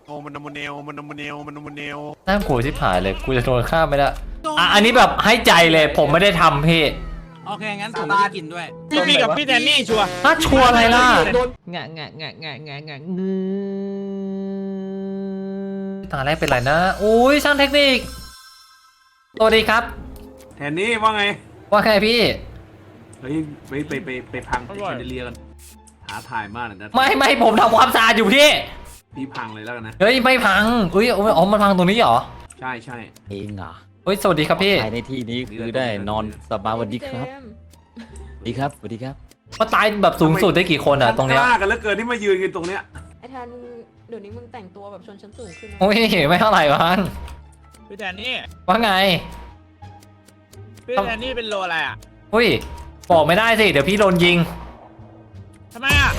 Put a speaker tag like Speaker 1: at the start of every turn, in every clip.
Speaker 1: โอ้มันนมเนลมันนมเนลมันนมเนล
Speaker 2: น่ากลัวที่ผายเลยกูจะโดนฆ่าไม่ได้อันนี้แบบให้ใจเลยผมไม่ได้ทำพี่
Speaker 3: โอเคงั้นผมไม่ได้กินด้วย
Speaker 1: พี่กับพี่แดนนี่ชัวร์
Speaker 2: ถ้าชัวร์อะไรล่ะ
Speaker 4: งะ
Speaker 2: ตาแรกเป็นไรนะอุ้ยช่างเทคนิคสวัสดีครับ
Speaker 1: แทนนี่ว่าไง
Speaker 2: ว่าไงพี่
Speaker 1: เฮ้ยไปพังแชนเดเลียกันท้าทายมากเลยนะ
Speaker 2: ไม่ผมทำความสะอาดอยู่พี่
Speaker 1: พังเลยแล้วกันนะ
Speaker 2: เฮ้ยไม่พังอุ้ยอ๋อมันพังตรงนี้เหรอ
Speaker 1: ใช่
Speaker 4: เองเหรอ
Speaker 2: เฮ้ยสวัสดีครับพี่
Speaker 4: ตายในที่นี้คือได้นอนสบายวันดีครับสวัสดีครับ
Speaker 2: มาตายแบบสูงสุดได้กี่คนอ่ะตรงเนี้ย
Speaker 1: กล้ากันแล้วเกินที่มายืนกันตรงเนี้ย
Speaker 5: ไอ้แทนเดี๋ยวนี้มึงแต่งตัวแบบชนชั้นสูงขึ้นนะ
Speaker 2: โอ้ยไม่เท่าไหร่วะ
Speaker 3: พี่แดนนี่
Speaker 2: ว่าไง
Speaker 3: พี่แดนนี่เป็นโลอะไรอ่ะ
Speaker 2: อุ้ยบอกไม่ได้สิเดี๋ยวพี่โดนยิง
Speaker 3: ทำไมอ่ะ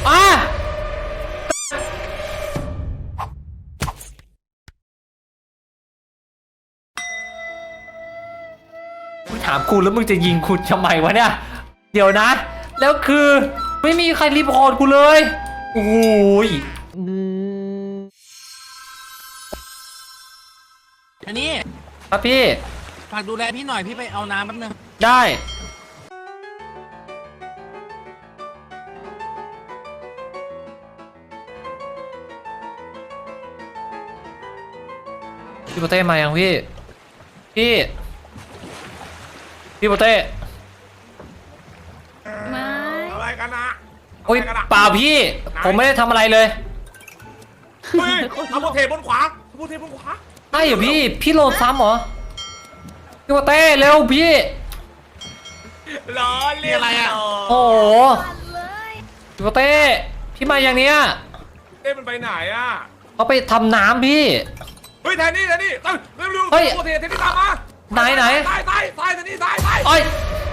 Speaker 2: ถามคุณแล้วมึงจะยิงคุณทำไมวะเนี่ยเดี๋ยวนะแล้วคือไม่มีใครรีพอร์ตกูเลยโอ้ย
Speaker 3: อันนี้
Speaker 2: ครับพี่
Speaker 3: ฝากดูแลพี่หน่อยพี่ไปเอาน้ำแป๊บนึง
Speaker 2: ได้พี่โปเต้มายังพี่โปเต้
Speaker 5: ไม่
Speaker 1: อะไรกันนะ
Speaker 2: โอ้ยเปล่าพี่ผมไม่ได้ทำอะไรเลย
Speaker 1: เฮ้ยเอาโมเทบนขวา
Speaker 2: ใช่เหรอพี่โหลดซ้ำเหรอพี่โปเต้เร็วพี่
Speaker 1: ล้อเลียนอะไรอ่ะ
Speaker 2: โอ้โหพี่โปเต้พี่มาอย่างเนี้ย
Speaker 1: มันไปไหนอ่ะ
Speaker 2: เขาไปทำน้ำพี่
Speaker 1: เฮ้ยแทนนี่เร็วโมเทแทนนี่ตามมา
Speaker 2: ไหน
Speaker 1: ตายแทนนี่ตาย
Speaker 2: โอ้ย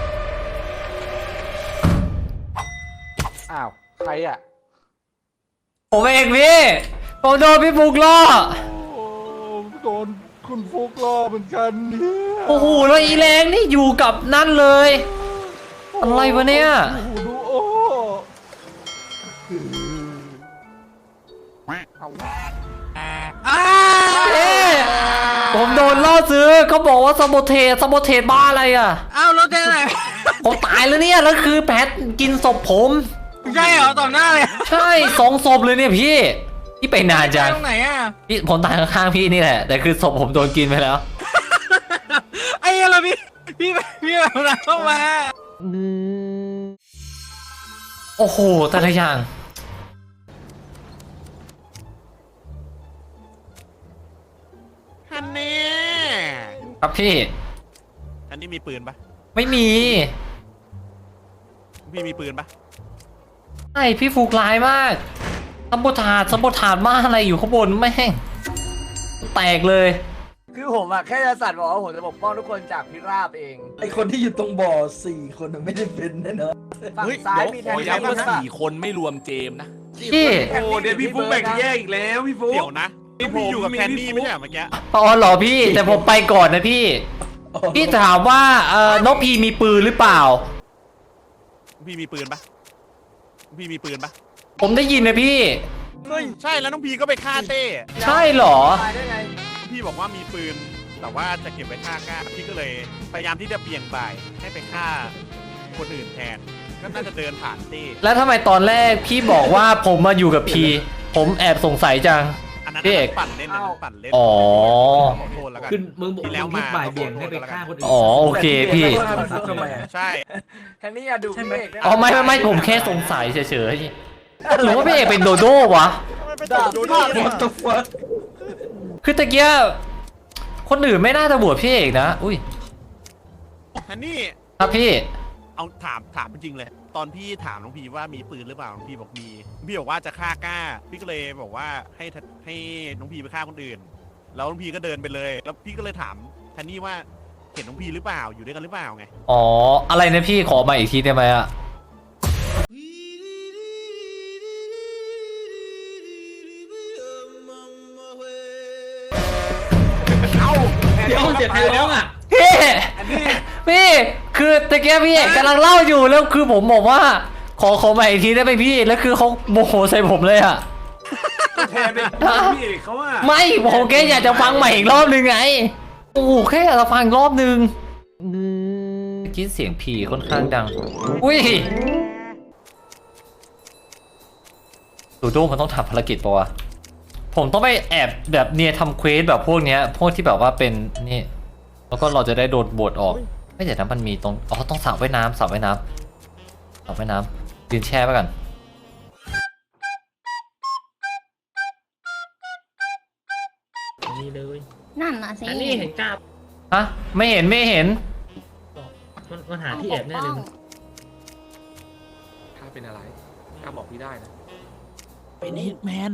Speaker 1: อ้าวใครอ่ะ
Speaker 2: ผมเองพี่ผมโดนพี่ฟุกล่อ
Speaker 1: โดนคุณฟุกล่อเหมือนกันเนี่ย
Speaker 2: โอ้โหแล้วอีแรงนี่อยู่กับนั่นเลยอะไรวะเนี่ย
Speaker 1: ดูโอ้
Speaker 2: ผมโดนล่อซื้อเขาบอกว่าสมบูเทบ้าอะไรอ่ะ
Speaker 3: อ้าวรถเจ๊ไหน
Speaker 2: ผมตายแล้วเนี่ยแล้วคือแพทกินศพผม
Speaker 3: ใช่เหรอต่อหน้าเลย
Speaker 2: ใช่2 ศพเลยเนี่ยพี่ไปนานจัง
Speaker 3: ตรงไหนอ่ะ
Speaker 2: พี่ผมตายข้างๆพี่นี่แหละแต่คือศพผมโดนกินไปแล้ว
Speaker 3: ไอ้อะไรพี่แบบนั้นเข้ามา
Speaker 2: โอ้โหแต่ละอย่าง
Speaker 1: ฮันนี่
Speaker 2: ครับพี่
Speaker 1: อันนี้มีปืนปะ
Speaker 2: ไม่มี
Speaker 1: พี่มีปืนปะ
Speaker 2: ใช่พี่ฟูกลายมากสมบูถาดมากอะไรอยู่ข้างบนแม่งแตกเลย
Speaker 6: คือผมอะแค่จะสั่นบอกว่าผมจะปกป้องทุกคนจากพิราบเอง
Speaker 7: ไอคนที่อยู่ตรงบ่อ4 คนไม่ได้เป็นแน่นอน
Speaker 6: ฝั่งซ้ายมีแทน
Speaker 1: ย้ำว่า4 คนไม่รวมเจมนะ
Speaker 2: พี่
Speaker 1: โอ้เดี๋ยวพี่ฟุกแบ่งแยกอีกแล้วพี่ฟุกเดี๋ยวนะพี่อยู่กับแคนนี่ไม่ใช่เมื่อกี้
Speaker 2: อ๋อเหรอพี่แต่ผมไปก่อนนะพี่ถามว่าน้องพีมีปืนหรือเปล่า
Speaker 1: พี่มีปืนปะ
Speaker 2: ผมได้ยินนะพี่
Speaker 1: ใช่แล้วน้องพีก็ไปฆ่าเต้
Speaker 2: ใช่เหรอ
Speaker 1: พี่บอกว่ามีปืนแต่ว่าจะเก็บไว้ฆ่าก้าพี่ก็เลยพยายามที่จะเบี่ยงบ่ายให้ไปฆ่าคนอื่นแทนก็น่าจะเดินผ่านเต้
Speaker 2: แล้วทำไมตอนแรกพี่บอกว่าผมมาอยู่กับพีผมแอบสงสัยจัง
Speaker 1: พี่เอกปั่นเล่น
Speaker 2: อ๋อ
Speaker 4: คือมึงบอกแล้วมาบ่ายเบี่ยงให้ไปฆ่าคนอื่น
Speaker 2: อ๋อโอเคพี่
Speaker 1: ใช่
Speaker 6: แทนนี่อะดูพี่เอก
Speaker 2: อ๋อไม่ผมแค่สงสัยเฉยๆหรือว่าพี่เอกเป็นโดโด้วะคือตะเกียบคนอื่นไม่น่าจะบวชพี่เอกนะอุ้ย
Speaker 1: อันนี้
Speaker 2: ครับพี่
Speaker 1: เอาถามจริงเลยตอนพี่ถามน้องพีว่ามีปืนหรือเปล่าน้องพีบอกมีพี่บอกว่าจะฆ่าก้าพี่ก็เลยบอกว่าให้น้องพีไปฆ่าคนอื่นแล้วน้องพีก็เดินไปเลยแล้วพี่ก็เลยถามทันนี่ว่าเห็นน้องพีหรือเปล่าอยู่ด้วยกันหรือเปล่าไง
Speaker 2: อ๋ออะไรนะพี่ขอมาอีกทีได้ไหมอะ
Speaker 4: เดี๋ยวเสียใครร้องอ่ะ
Speaker 2: พี่คือตะเกียบพี่กำลังเล่าอยู่แล้วคือผมบอกว่าขอมาอีกทีได้ไหมพี่แล้วคือเขาโมโหใส่ผมเลยอ่ะ
Speaker 8: แทนเป็นพี่เอกเขาว่า
Speaker 2: ไม่ผมแค่อยากจะฟังใหม่อีกรอบนึงไงโอ้โหแค่อยากจะฟังอีกรอบนึงคิดเสียงผีค่อนข้างดังอุ้ยดูโดมันต้องทำภารกิจปะวะผมต้องไปแอบแบบเนียทำเควสแบบพวกเนี้ยพวกที่แบบว่าเป็นนี่แล้วก็เราจะได้โดนบทออกไม่เดี๋ยวนะมันมีตรงอ๋อต้องสระว่ายน้ำสระว่ายน้ำสระว่ายน้ำยืนแช่ไปกัน
Speaker 3: นี่เลย
Speaker 9: นั่นน่ะสิ
Speaker 3: อันนี้เห็นกล้า
Speaker 2: ฮะไม่เห็นไม่เห็น
Speaker 3: มันหาที่แอบแน่เลย
Speaker 8: ถ้าเป็นอะไรกล้าบอกพี่ได้นะ
Speaker 3: เป็นฮิตแมน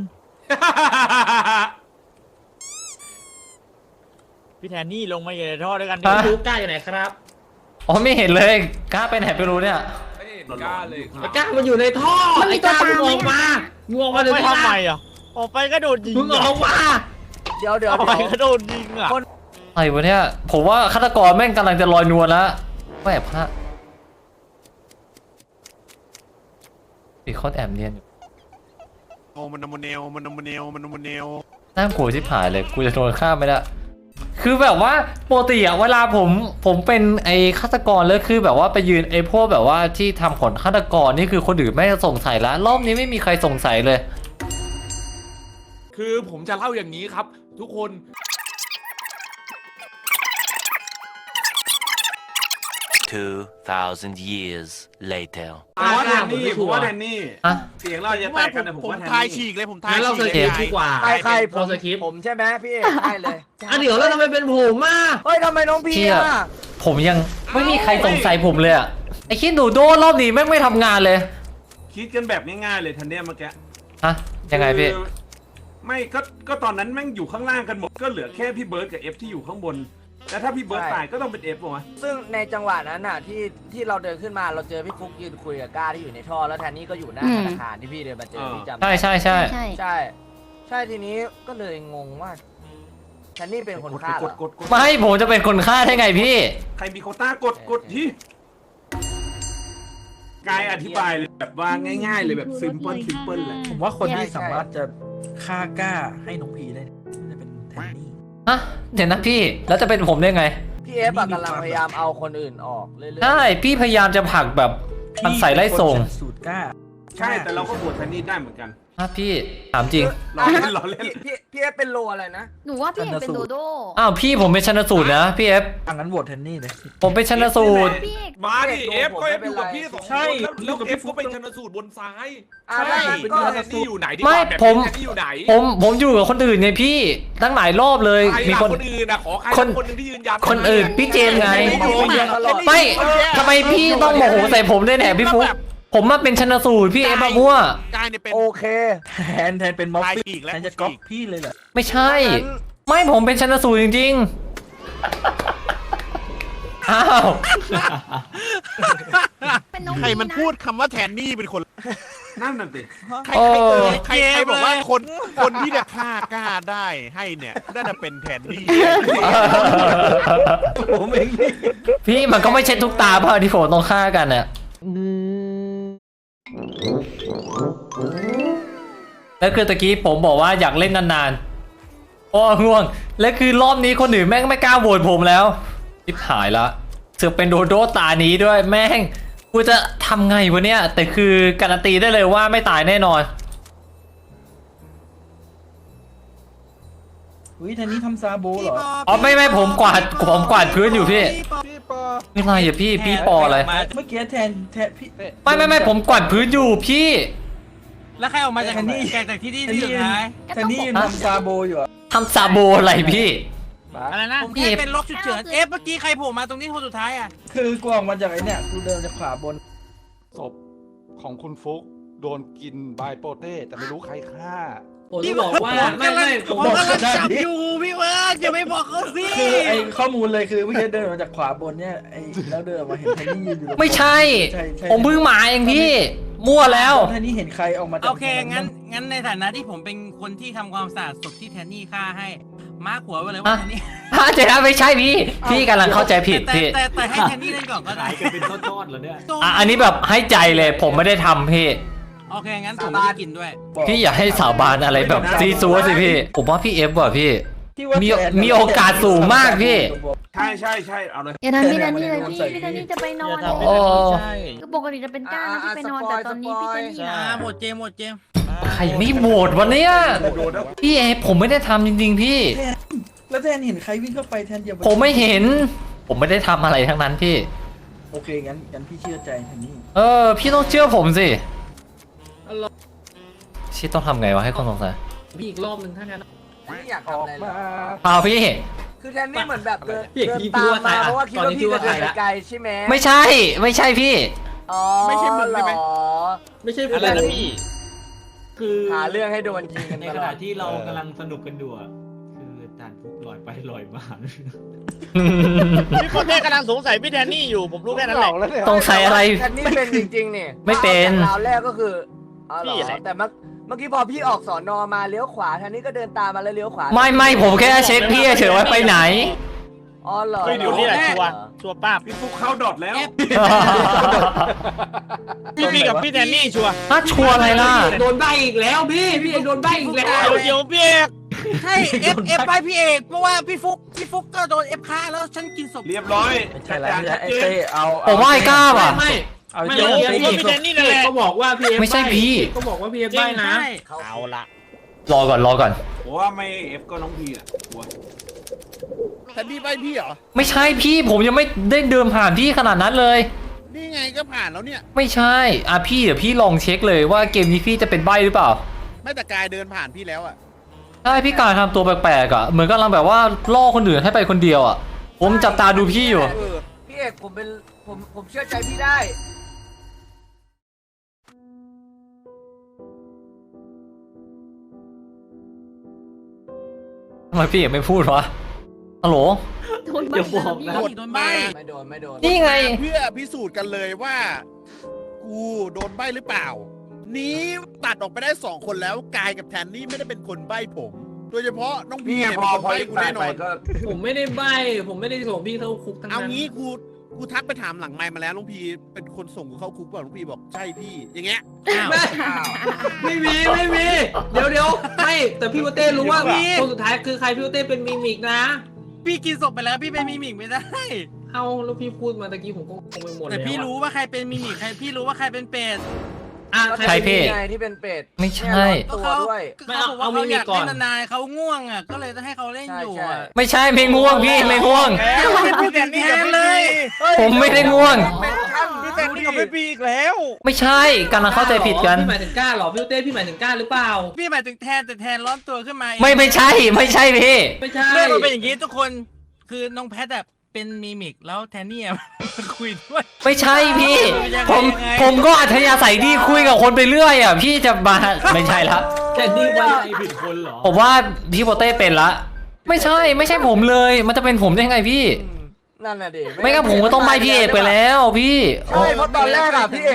Speaker 3: พี่แทนนี่ลงมาอยู่ในท่อด้วยกันดูกล้าอยู่ไหนครับ
Speaker 2: อ๋อไม่เห็นเลยกล้าไปไหนไปรู้เนี่ย
Speaker 8: ไม่เห็นกล้าเลยครับ
Speaker 3: กล้ามันอยู่ในท่อ
Speaker 9: มันมีตัวตามไหม
Speaker 3: มึงออกมาในท่อทำไมอ่ะออกไปก็โดนยิงมึงออกมา
Speaker 6: เดี๋ยว
Speaker 3: ออกไปก็โดนยิงอ่ะ
Speaker 2: อะไรวะเนี่ยผมว่าฆาตกรแม่งกำลังจะลอยนวลแล้วว่าแอบพระปีคอนแอบเนียนอยู่
Speaker 1: โอ้มันนมเนลมันนมเนลมันนมเนล
Speaker 2: น่ากลัวชิบหายเลยกูจะโดนฆ่าไม่ได้คือแบบว่าปกติอะเวลาผมเป็นไอ้ฆาตกรแล้วคือแบบว่าไปยืนไอ้พวกแบบว่าที่ทำผลฆาตกรนี่คือคนอื่นไม่สงสัยแล้วรอบนี้ไม่มีใครสงสัยเลย
Speaker 8: คือผมจะเล่าอย่างนี้ครับ ทุกคน
Speaker 10: 2,000 years later
Speaker 8: ผมว่าแทนนี่ผมว่าแทนนี่
Speaker 2: อะ
Speaker 8: เสียงเราจะแตกกันแต่ผม
Speaker 1: ผม
Speaker 8: ว่าแทน
Speaker 1: ทาย
Speaker 8: นี่
Speaker 1: ฉีกเลยผมทาย
Speaker 3: งั้นเรา
Speaker 1: ฉี
Speaker 3: ส
Speaker 1: ก
Speaker 3: กิ
Speaker 1: เล
Speaker 3: ป
Speaker 1: ย
Speaker 3: ดีกว่า
Speaker 6: ใครผม
Speaker 3: สกิป
Speaker 6: ผมใช่ไหมพี่เอกได้เลย
Speaker 3: อ่ะเดี๋ยวแล้วทำไมเป็นผมอ่ะ
Speaker 6: เฮ้ยทำไมน้องพี่
Speaker 2: เชี่ย
Speaker 6: อ่ะ
Speaker 2: ผมยังไม่มีใครสงสัยผมเลยอะไอ้คิดดูโดรอบนี้แม่งไม่ทำงานเลย
Speaker 8: คิดกันแบบง่ายๆเลยทันเนี่ยเมื่อกี้
Speaker 2: ฮะยังไงพี่
Speaker 8: คือไม่ก็ตอนนั้นแม่งอยู่ข้างล่างกันหมดก็เหลือแค่พี่เบิร์ดกับเอฟที่อยู่ข้างบนแล้วถ้าพี่เบิร์ดตายก็ต้องเป็นเอฟป่ะวะ
Speaker 6: ซึ่งในจังหวะนั้นน่ะที่เราเดินขึ้นมาเราเจอพี่ฟุกยืนคุยกับก้าที่อยู่ในท่อแล้วแทนนี่ก็อยู่หน้าธนาคารที่พี่เดินมาเจอพี่จำ
Speaker 2: ใช่ใช่ใช่
Speaker 9: ใช่
Speaker 6: ใช่ทีนี้ก็เลยงงว่าแทนนี่เป็นคนฆ่าเหรอ
Speaker 8: กด
Speaker 2: ไม่ผมจะเป็นคนฆ่าได้ไงพี่
Speaker 8: ใครมีโควต้ากดที่กายอธิบายเลยแบบว่าง่ายๆเลยแบบซิมเปิลเลย
Speaker 7: ผมว่าคนที่สามารถจะฆ่ากล้าให้น้องพีได้จะเป็นแทนนี่
Speaker 2: ฮะเดี๋ยวนะพี่แล้วจะเป็นผมได้ไง
Speaker 6: พี่เอฟอะกำลังพยายามเอาคนอื่นออกเรื่อยๆ
Speaker 2: ใช่พี่พยายามจะผลักแบบมันใส่ไล่ส่ง
Speaker 7: พี่เป็นคนชันสูตรกล้า
Speaker 8: ใช่แต่เราก็บวชแทนนี่ได้เหมือนกัน
Speaker 2: ฮะพี่ถามจริง
Speaker 8: รอเล่นรอเล่น
Speaker 6: พี่เอฟเป็นโลอะไรนะ
Speaker 9: หนูว่าพี่เอกเป็นโดโด
Speaker 2: อ้าวพี่ผมเป็นชันสูตรนะพี่เอฟ
Speaker 7: อังั้นโหวตแทนนี่เลย
Speaker 2: ผมเป็นชันสูตร
Speaker 9: พี่เอก
Speaker 8: มาดิเอฟก็เอฟอยู่กับพี่สองคน
Speaker 7: ใช่
Speaker 8: แล้วเอฟก็เป็นชันสูตรบนซ้าย
Speaker 6: อ่า
Speaker 8: ใช่
Speaker 6: ก็
Speaker 8: แทนนี่อยู่ไหนที่
Speaker 2: ไม่
Speaker 8: แบบ
Speaker 2: ผม
Speaker 8: แทนนี่อยู่ไหน
Speaker 2: ผมอยู่กับคนอื่นไงพี่ตั้งหลายรอบเลย
Speaker 8: ใคร
Speaker 2: มี
Speaker 8: ล่ะ
Speaker 2: คน
Speaker 8: คนอื่นนะขอใคร
Speaker 2: คน
Speaker 8: คนหนึงที่ยืนยัน
Speaker 2: คนอื่นพี่เจมส์ไง
Speaker 6: ตลอด
Speaker 2: ไม่ทำไมพี่ต้องโมโหใส่ผมด้วยแหนพี่ฟุ๊กผมมาเป็นชันสูตรพี่เอฟมามั่ว
Speaker 1: กายเนี่ยเป็น
Speaker 6: โอเค
Speaker 7: แทนเป็นม็อบ
Speaker 1: ตาย
Speaker 7: ฟี่
Speaker 1: อีกแล้ว
Speaker 7: แทนจะก๊อปพี่เลยเหรอ
Speaker 2: ไม่ใช่
Speaker 6: งั้น
Speaker 2: ไม่ผมเป็นชันสูตรจริงๆอ้าว
Speaker 9: เป็นน้อง
Speaker 1: ใครมัน
Speaker 9: นะ
Speaker 1: พูดคำว่าแทนนี่เป็นคน
Speaker 8: นั่นน่ะสิ
Speaker 1: ใคร
Speaker 2: โอ้
Speaker 1: ใครบอกว่าคนที่จะฆ่ากล้าได้ให้เนี่ยน่าจะเป็นแทนนี่
Speaker 7: ผมเองนี่
Speaker 2: พี่มันก็ไม่ใช่ทุกตาเปล่าที่ผมต้องฆ่ากันน่ะแล้วคือตะกี้ผมบอกว่าอยากเล่นนานๆโอ้ง่วงแล้วคือรอบนี้คนอื่นแม่งไม่กล้าโหวตผมแล้วทิบหายละเสือกเป็นโดโดตานี้ด้วยแม่งกูจะทำไงวะเนี่ยแต่คือการันตีได้เลยว่าไม่ตายแน่นอน
Speaker 7: อุ้ยแทนนี่ทำซาโบเหรอ
Speaker 2: อ๋อไม่ผมกวาดพื้นอยู่พี่ไม่ไรอย่าพี่ปออะไร
Speaker 7: เมื่อกี้แทนพี่
Speaker 2: ไม่ผมกวาดพื้นอยู่พี่
Speaker 3: แล้วใครออกมาจากที่นี่ที่สุดท้าย
Speaker 7: แทนนี่ยังทำซาโบอยู่เหรอ
Speaker 2: ทำซาโบอะไรพี่
Speaker 3: อะไรนะ
Speaker 2: ผมแค่เป็นล็อกฉุกเฉิน
Speaker 3: เมื่อกี้ใครโผล่มาตรงนี้คนสุดท้ายอ่ะ
Speaker 7: คือกูออกมาจากไอ้เนี่ยกูเดินจากขวาบน
Speaker 11: ศพของคุณฟุกโดนกินบายโปเต้แต่ไม่รู้ใครฆ่า
Speaker 3: ผมจะบอกว่าไม่ผมกำลังจับอยู่พี่เวิร์ดอย่าไปบอกเขาสิ
Speaker 7: คือไอ้ข้อมูลเลยคือเมื่อกี้เดินมาจากขวาบนเนี่ยไอ้แล้วเดินมาเห็นแทนนี่ยืนอยู่
Speaker 2: ไม่ใช่ ผมเพิ่งมาเองพี่ มั่วแล้ว
Speaker 7: แทนนี่เห็นใครออกมาจาก
Speaker 3: โอเคงั้นในฐานะที่ผมเป็นคนที่ทำความสะอาดศพที่แทนนี่ฆ่าให้มาร์คหัวไว้เลยว่าแทนนี่
Speaker 2: เจ๊นะไม่ใช่พี่กำลังเข้าใจผิดพี่
Speaker 3: แต่ให้แทนนี่เล่นก่อนก็ได้
Speaker 2: อันนี้แบบให้ใจเลยผมไม่ได้ทำพี่
Speaker 3: โอเคงั้นผมไม่ได้กินด้วย
Speaker 2: พี่อย่าให้สาบานอะไรแบบซีซัวสิพี่ ผมว่าพี่เอฟว่ะพี่มีโอกาสสูงมากพี่
Speaker 8: ใช่เอาเลย
Speaker 9: อย่าทำพี่แทนนี่เลยพี่แทนนี่จะไปนอน
Speaker 2: โอ้
Speaker 9: คือปกติจะเป็นก้าแล้วที่ไปนอนแต่ตอนนี้พี่แทนนี่นะ
Speaker 3: หมดเจม
Speaker 2: ใครไม่โหวตวันเนี้ยพี่เอฟผมไม่ได้ทำจริงๆพี่
Speaker 7: แล้วแทนเห็นใครวิ่งเข้าไปแทนอย่า
Speaker 2: ผมไม่เห็น ผมไม่ได้ทำอะไรทั้งนั้นพี่
Speaker 7: โอเคงั้นพี่เชื่อใจแทนนี่
Speaker 2: พี่ต้องเชื่อผมสิชิต้องทำไงวะให้คนสงสัย
Speaker 3: พี่อีกรอบหนึ่งถ้างั้น
Speaker 6: ไม่อยากทำอะไรเลย
Speaker 2: เอาพี่
Speaker 6: คือแทนนี่เหมือนแบบเดิน
Speaker 3: พี่
Speaker 6: เดิน
Speaker 3: พี่
Speaker 6: ตาม
Speaker 3: ว่าใคร
Speaker 6: มา
Speaker 3: อะ
Speaker 6: เพราะว่าคิดว่าพี่จะเดินไปไกลใช่ไหม
Speaker 2: ไม่ใช่พี่
Speaker 1: ไม่ใช่มึงใช่ไหม
Speaker 6: อ๋อ
Speaker 3: ไม่ใช่อะไรนะพี่ คือ
Speaker 6: หาเรื่องให้โดนยิงกัน
Speaker 3: ใน
Speaker 6: ต
Speaker 3: ข
Speaker 6: ลอ
Speaker 3: ณะ
Speaker 6: ด
Speaker 3: ที่เรากำลังสนุกกันอยู่อะคือจานฟุกลอยไปลอยมา
Speaker 1: พี่คนแม่กำลังสงสัยพี่แทนนี่อยู่ผมรู้แค่นั้นแหละ
Speaker 2: สงสัยอะไร
Speaker 6: แทนนี่เป็นจริงๆนี่
Speaker 2: ไม่เป็น
Speaker 6: ราวแรกก็คืออ๋อเหร
Speaker 1: พี่
Speaker 6: อ
Speaker 1: อะไร
Speaker 6: แต่เมื่อกี้พอพี่ออกสอนอมาเลี้ยวขวาแทนนี่ก็เดินตามมาแล้วเลี้ยวขวา
Speaker 2: ไม่ผมแค่เช็คพี่เฉยๆว่าไปไหน
Speaker 6: อ๋อเหรอ
Speaker 1: เฮ้ยเดี๋ยวนี่แหละชัวร์ป้าบ
Speaker 8: พี่ฟุกเข้าดอทแล้ว
Speaker 1: พี่กับพี่แทนนี่ชัวร์
Speaker 2: ถ้าชัวร์อะไรล่ะ
Speaker 3: โดนใบอีกแล้วพี่เอกโดนใบอีกแล้ว
Speaker 1: เดี๋ยวพี่เอก
Speaker 3: ใช่เอฟไปพี่เอกเพราะว่าพี่ฟุกก็โดนเอฟฆ่าแล้วฉันกินศพ
Speaker 8: เรียบร้อย
Speaker 7: ไม่ใช่แล้วไอ้เต้เอา
Speaker 2: ผมว่าไอ้ก้าว่ะ
Speaker 7: เอา
Speaker 1: เดี๋ยว
Speaker 7: เต้
Speaker 1: พี่แทนนี่นั่นแหละ
Speaker 3: ก็บอกว่าพี่เอฟ
Speaker 2: ไม่ใช่พี่
Speaker 3: ก็บอกว่าพี่เอฟใบนะ
Speaker 1: เอาละ
Speaker 2: รอก่อน
Speaker 8: ผมว่าไม่เอฟก็น้องพีอ่ะกลัว
Speaker 1: แทนนี่ใบพี่เหรอ
Speaker 2: ไม่ใช่พี่ผมยังไม่ได้เดินผ่านพี่ขนาดนั้นเลย
Speaker 1: นี่ไงก็ผ่านแล้วเนี่ย
Speaker 2: ไม่ใช่พี่เดี๋ยวพี่ลองเช็คเลยว่าเกมนี้พี่จะเป็นใบ้หรือเปล่า
Speaker 1: ไม่แต่กายเดินผ่านพี่แล้วอ่ะ
Speaker 2: ใช่พี่การทำตัวแปลกๆอ่ะเหมือนกำลังแบบว่าล่อคนอื่นให้ไปคนเดียวอ่ะผมจับตาดูพี่อยู่
Speaker 6: พี่เอกผมเชื่อใจพี่ได้
Speaker 2: ทำไมพี่ไม่พูดวะฮัลโหล
Speaker 9: โดนใบแล้วพี่
Speaker 3: โดนใบ
Speaker 6: ไม่โดน
Speaker 2: นี่ไง
Speaker 1: เพื่อพิสูจน์กันเลยว่า กูโดนใบหรือเปล่า นี้ตัดออกไปได้2คนแล้วกายกับแทนนี่ไม่ได้เป็นคนใบผม โดยเฉพาะน้องพี
Speaker 8: นี่ไง
Speaker 1: เนี่ย
Speaker 8: พ
Speaker 1: เป็
Speaker 8: อน
Speaker 1: คน
Speaker 8: พอ
Speaker 1: ใบกู
Speaker 8: ตาย
Speaker 1: แน่น
Speaker 8: ไป
Speaker 1: อน
Speaker 8: ก็
Speaker 3: ผมไม่ได้ใบผมไม่ได้ส่งพี่เข้าคุกทั้ง
Speaker 1: เอา
Speaker 3: นั้น
Speaker 1: งี้กูทักไปถามหลังไมค์มาแล้วน้องพีเป็นคนส่งกูเข้าคุกเปล่าน้องพีบอกใช่พี่อย่างเงี้ยอ้าว
Speaker 3: ไม่มีเดี๋ยวไม่แต่พี่โปเต้รู้ว่าคนสุดท้ายคือใครพี่โปเต้เป็นมิมิกนะ พี่กินศพไปแล้วพี่เป็นมิมิกไม่ได้เอาแล้วพี่พูดมาตะกี้ผมก็คงไปหมดแต่พี่รู้ว่าใครเป็นมิมิกพี่รู้ว่าใครเป็นเป็ด
Speaker 2: ใครพี่
Speaker 6: ไงที่เป็นเป็ด
Speaker 2: ไม่ใช่
Speaker 6: เนี่ยตัวด้วย
Speaker 3: ไม่เอาเอามิมิกก่อนนานๆเขาง่วงอ่ะก็เลยต้องให้เขาเล่นอยู่อ่ะ
Speaker 2: ไม่ใช่ไม่ง่วงพี่ไม่ง่วง
Speaker 1: พี่แทนนี่กับพี่พี
Speaker 2: ผมไม่ได้ง่วง
Speaker 1: พี่แทนนี่กับพี่พีอีกแล้ว
Speaker 2: ไม่ใช่กำลังเข้าใจผิดกัน
Speaker 3: พี่หมายถึงก้าหรอพี่โปเต้พี่หมายถึงก้าหรือเปล่าพี่หมายถึงแทนแต่แทนร้อนตัวขึ้นมา
Speaker 2: ไม่ใช่พี่
Speaker 3: ไม่ใช่เรื่องมันเป็นอย่างนี้ทุกคนคือน้องแพทแบบเป็นมิมิกแล้วแทนนี่คุยด้วย
Speaker 2: ไม่ใช่พี่ ผมก็อัธยาศัยดีคุยกับคนไปเรื่อยอ่ะพี่จะมาไม่ใช่ละ
Speaker 3: แทนนี่ไว้ใจผิดคนเหรอ
Speaker 2: ผมว่าพี่โปเต้เป็นละ ไม่ใช่ผมเลย มันจะเป็นผมได้ไงพี่
Speaker 6: นั่นน่ะดิ
Speaker 2: ไม่งั้นผมก็ต้องใบพี่เอกไปแล้วพี่
Speaker 6: ใช่เพราะตอนแรกอะพี่เอก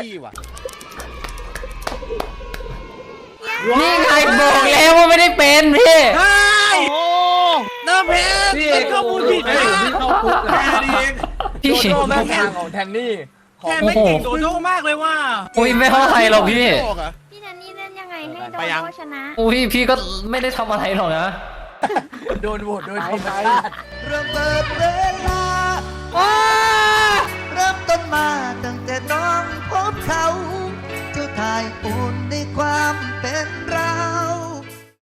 Speaker 2: นี่ไงบอกแล้วว่าไม่ได้เป็นพี่
Speaker 3: ใช่น้าเพชรเป็นข้อมูลผิดนะเข้าคุก
Speaker 8: แค่นี้เอง
Speaker 2: พี่
Speaker 6: โดโดแม่งทางของแทนนี่
Speaker 3: แทนไม่เก่งโดโดมากเลยว่า
Speaker 2: อุ้ยไม่เท่าไหร่หรอกพี่
Speaker 9: พี่แทนนี่เล่นยังไงให้โด
Speaker 1: ไปยัง
Speaker 9: โดชนะ
Speaker 2: อุ้ยพี่ก็ไม่ได้ทำอะไรหรอกนะ
Speaker 6: โดนโหวตโดยธรรมชาติ
Speaker 12: เริ่มเปิดเวลาเริ่มต้นมาตั้งแต่น้องพบเขา เจ้าทายอุ่นในความเป็นเรา